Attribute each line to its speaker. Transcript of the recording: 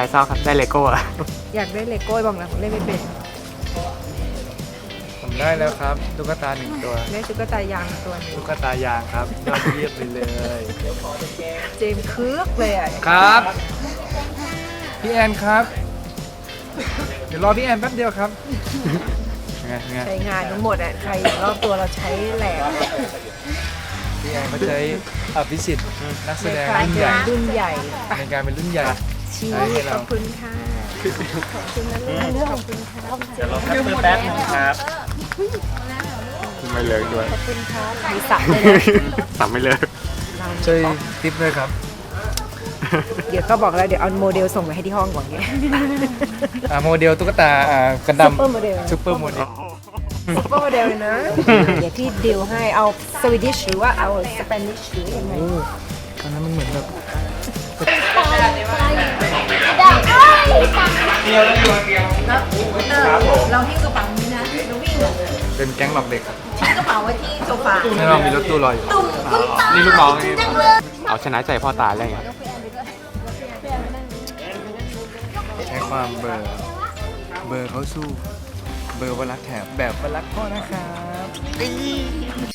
Speaker 1: รเศร้าครับได้เลโก้อะ
Speaker 2: อยากได้เลโก้บอมนะผมเล่นไม่เป็น
Speaker 3: ผมได้แล้วครับตุ๊กตา1 ตัว
Speaker 2: ได้ตุ๊กตายางตัวหนึง
Speaker 3: ตุ๊กตายางครับยอดเยี่ยมไปเลย
Speaker 2: เจมส์คึกเลยอ่ะ
Speaker 3: ครับพี่แอนครับ เดี๋ยวรอพี่แอนแป๊บเดียวครับไง
Speaker 2: ใช้งานทั้งหมดอ่ะใครอยู่รอบตัวเราใช้แหลก
Speaker 3: พี่แอนเขาใช้อภิสิทธิ์นักแส
Speaker 2: ใน
Speaker 3: ดง
Speaker 2: การ
Speaker 3: รุ่นใหญ่
Speaker 2: เป็นรุ่นใหญ่
Speaker 3: ในการเป็นรุ่นใหญ่
Speaker 2: ชี้
Speaker 3: ให้เรา
Speaker 2: ขอบคุณค่ะขอบคุณนะลูกขอบคุณค่ะ
Speaker 1: เดี๋ยวรอแป๊บนึงครับไม่เลิกด้วย
Speaker 2: ขอบคุณค่ะมีสับเลยนะ
Speaker 1: สั่งไม่เลิก
Speaker 3: ช่วยทิปด้วยครับ
Speaker 2: เดี๋ยวก็บอกแล้วเดี๋ยวเอาโมเดลส่งไปให้ที่ห้องก่อนเนี่ย
Speaker 3: โมเดลตุ๊กตากระด
Speaker 2: ซุปเปอร์โมเดล
Speaker 3: ำซุปเปอร์โมเดล
Speaker 2: ซุปเปอร์โมเดลเลยนะ เดี๋ยวพี่ดิวให้เอาสวีดิชหรือว่าเอาสเปนิชหรือยังไง
Speaker 3: อันนั้นมันเหมือนแบบ
Speaker 2: เราหิ้วกระเป๋านี้นะเราวิ่ง
Speaker 3: เป็นแก๊งหลอกเด็กครับ
Speaker 2: ทิ้งกระเป๋าไว้ที่โซฟา
Speaker 3: ไม่ต้องมีรถตู้รออยู่
Speaker 1: นี่ลูกน้องนี่เอาชนะใจพ่อตาเลยไง
Speaker 3: ใช้ความเบอร์เขาสู้ เบอร์วรักแถบแบบวรักพ่อนะครับ